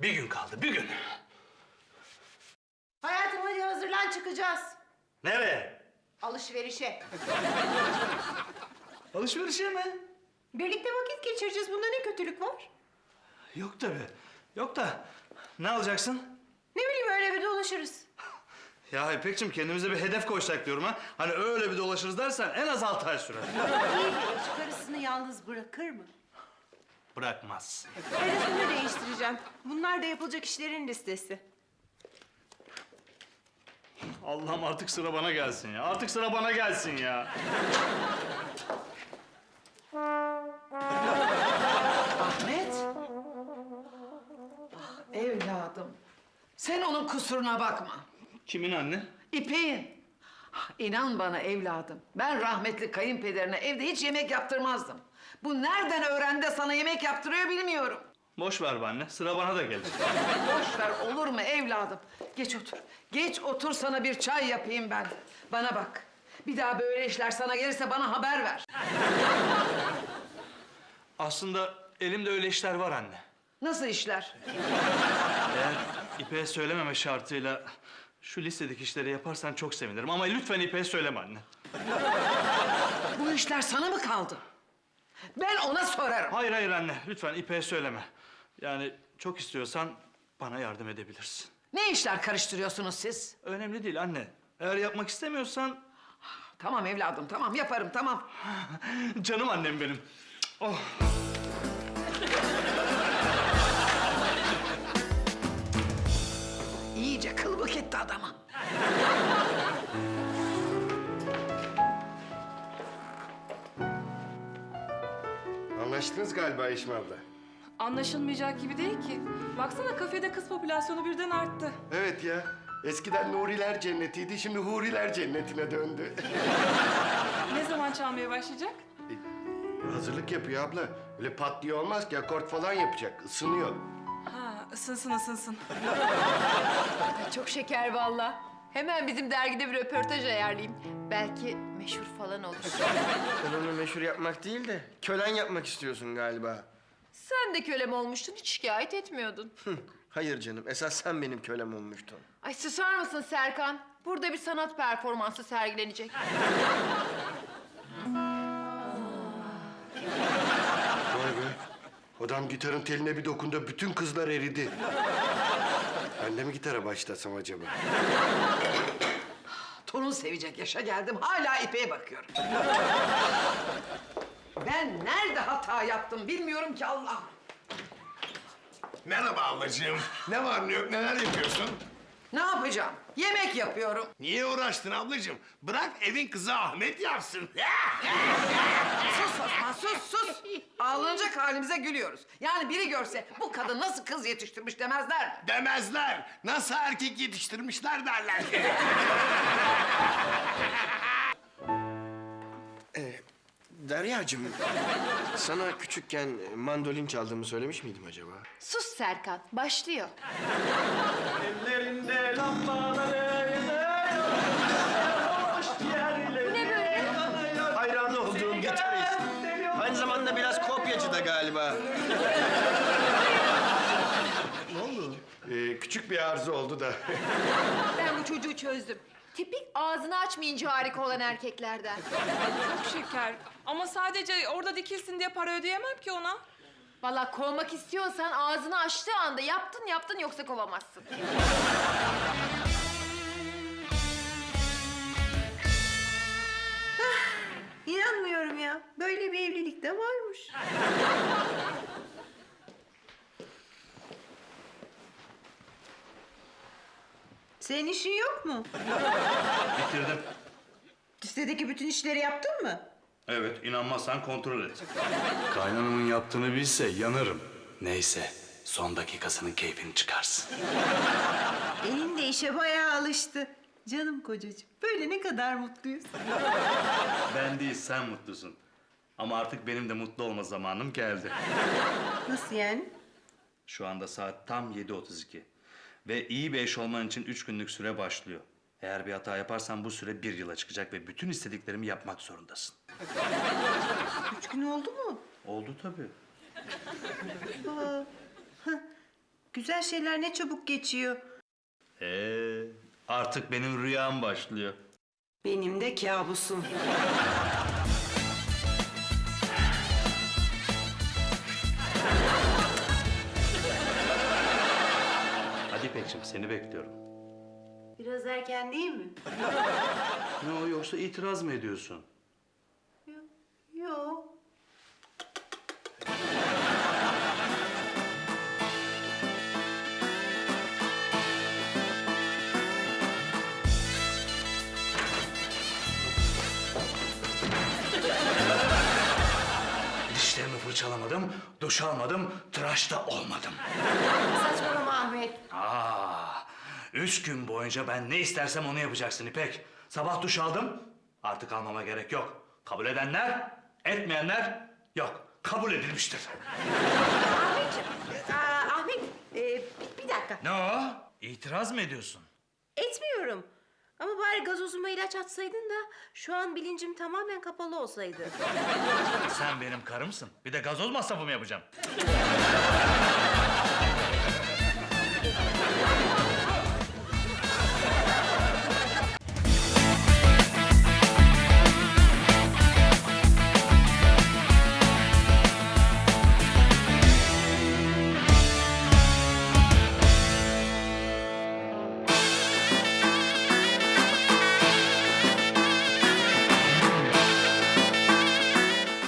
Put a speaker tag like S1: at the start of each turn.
S1: Bir gün kaldı, bir gün.
S2: Hayatım hadi hazırlan çıkacağız.
S1: Nereye?
S2: Alışverişe.
S1: Alışverişe mi?
S2: Birlikte vakit geçireceğiz. Bunda ne kötülük var?
S1: Yok tabii. Yok da ne alacaksın?
S2: Ne bileyim öyle bir dolaşırız.
S1: Ya İpekciğim kendimize bir hedef koysak diyorum ha. Hani öyle bir dolaşırız dersen en az 6 ay sürer.
S2: İyi bir eş karısını yalnız bırakır mı?
S1: Bırakmaz.
S2: Ben üstümü değiştireceğim. Bunlar da yapılacak işlerin listesi.
S1: Allah'ım artık sıra bana gelsin ya. Artık sıra bana gelsin ya.
S3: Ahmet. Ah, evladım. Sen onun kusuruna bakma.
S1: Kimin anne?
S3: İpek'in. Ah, İnan bana evladım. Ben rahmetli kayınpederine evde hiç yemek yaptırmazdım. Bu nereden öğrendi de sana yemek yaptırıyor bilmiyorum.
S1: Boş ver be anne. Sıra bana da gelir.
S3: Boş ver olur mu evladım? Geç otur. Geç otur sana bir çay yapayım ben. Bana bak. Bir daha böyle işler sana gelirse bana haber ver.
S1: Aslında elimde öyle işler var anne.
S3: Nasıl işler?
S1: Eğer İpek'e söylememe şartıyla şu listedeki işleri yaparsan çok sevinirim. Ama lütfen İpek'e söyleme anne.
S3: Bu işler sana mı kaldı? Ben ona sorarım.
S1: Hayır hayır anne. Lütfen İpek'e söyleme. Yani çok istiyorsan bana yardım edebilirsin.
S3: Ne işler karıştırıyorsunuz siz?
S1: Önemli değil anne. Eğer yapmak istemiyorsan...
S3: Tamam evladım, tamam yaparım, tamam.
S1: Canım annem benim. Oh.
S3: İyice kılıbık etti adama.
S4: Anlaştınız galiba Yeşim abla.
S5: Anlaşılmayacak gibi değil ki. Baksana kafede kız popülasyonu birden arttı.
S4: Evet ya. Eskiden Nuriler cennetiydi, şimdi Huriler cennetine döndü.
S5: Ne zaman çalmaya başlayacak?
S4: Hazırlık yapıyor abla. Öyle pat diye olmaz ki, akort falan yapacak. Isınıyor.
S5: Ha, ısınsın ısınsın.
S2: Çok şeker valla. Hemen bizim dergide bir röportaj ayarlayayım. Belki meşhur falan olur.
S6: Sen onu meşhur yapmak değil de kölen yapmak istiyorsun galiba.
S2: Sen de kölem olmuştun, hiç şikayet etmiyordun.
S6: Hayır canım, esas sen benim kölem olmuştun.
S2: Ay susar mısın Serkan? Burada bir sanat performansı sergilenecek.
S4: Vay be. Adam gitarın teline bir dokundu, bütün kızlar eridi. Ben de mi gitara başlasam acaba?
S3: Torun sevecek yaşa geldim, hala İpek'e bakıyorum. Ben nerede hata yaptım bilmiyorum ki Allah.
S7: Merhaba ablacığım. Ne var ne yok neler yapıyorsun?
S3: Ne yapacağım? Yemek yapıyorum.
S7: Niye uğraştın ablacığım? Bırak evin kızı Ahmet yapsın.
S3: Sus Osman, sus. Ağlanacak halimize gülüyoruz. Yani biri görse bu kadın nasıl kız yetiştirmiş demezler mi?
S7: Demezler. Nasıl erkek yetiştirmişler derler.
S6: Deryacığım, sana küçükken mandolin çaldığımı söylemiş miydim acaba?
S2: Sus Serkan, başlıyor.
S1: Ellerinde lambaları
S2: Bu ne böyle?
S6: Hayran olduğum gitarist. Aynı zamanda biraz kopyacı da galiba.
S4: Küçük bir arıza oldu da.
S2: Ben bu çocuğu çözdüm. Tipik ağzını açmayınca harika olan erkeklerden.
S5: Çok şeker. Ama sadece orada dikilsin diye para ödeyemem ki ona.
S2: Vallahi kovmak istiyorsan ağzını açtığı anda yaptın yoksa kovamazsın. İnanmıyorum ya. Böyle bir evlilik de varmış. Senin işin yok mu?
S1: bitirdim.
S2: Listedeki bütün işleri yaptın mı?
S1: Evet, inanmazsan kontrol et.
S8: Kaynanamın yaptığını bilse yanarım. Neyse, son dakikasının keyfini çıkarsın.
S2: Elin de işe bayağı alıştı. Canım kocacığım. Böyle ne kadar mutluyuz.
S1: Ben değil, sen mutlusun. Ama artık benim de mutlu olma zamanım geldi.
S2: Nasıl yani?
S1: Şu anda saat tam 7:32. Ve iyi bir eş olman için 3 günlük süre başlıyor. Eğer bir hata yaparsan bu süre 1 yıla çıkacak ve bütün istediklerimi yapmak zorundasın.
S2: 3 gün oldu mu?
S1: Oldu tabii.
S9: Güzel şeyler ne çabuk geçiyor.
S1: Artık benim rüyam başlıyor.
S9: Benim de kabusum.
S1: Hadi İpek'ciğim seni bekliyorum.
S9: Biraz erken değil mi?
S1: Ne o yoksa itiraz mı ediyorsun?
S9: Yok.
S1: Dişlerimi fırçalamadım, duş almadım, tıraş da olmadım.
S9: Saçmalama Ahmet.
S1: 3 gün boyunca ben ne istersem onu yapacaksın İpek. Sabah duş aldım, artık almama gerek yok. Kabul edenler, etmeyenler yok. Kabul edilmiştir.
S9: Ahmet, bir dakika.
S1: Ne o? İtiraz mı ediyorsun?
S9: Etmiyorum. Ama bari gazozuma ilaç atsaydın da şu an bilincim tamamen kapalı olsaydı.
S1: Sen benim karımsın. Bir de gazoz masrafı mı yapacağım?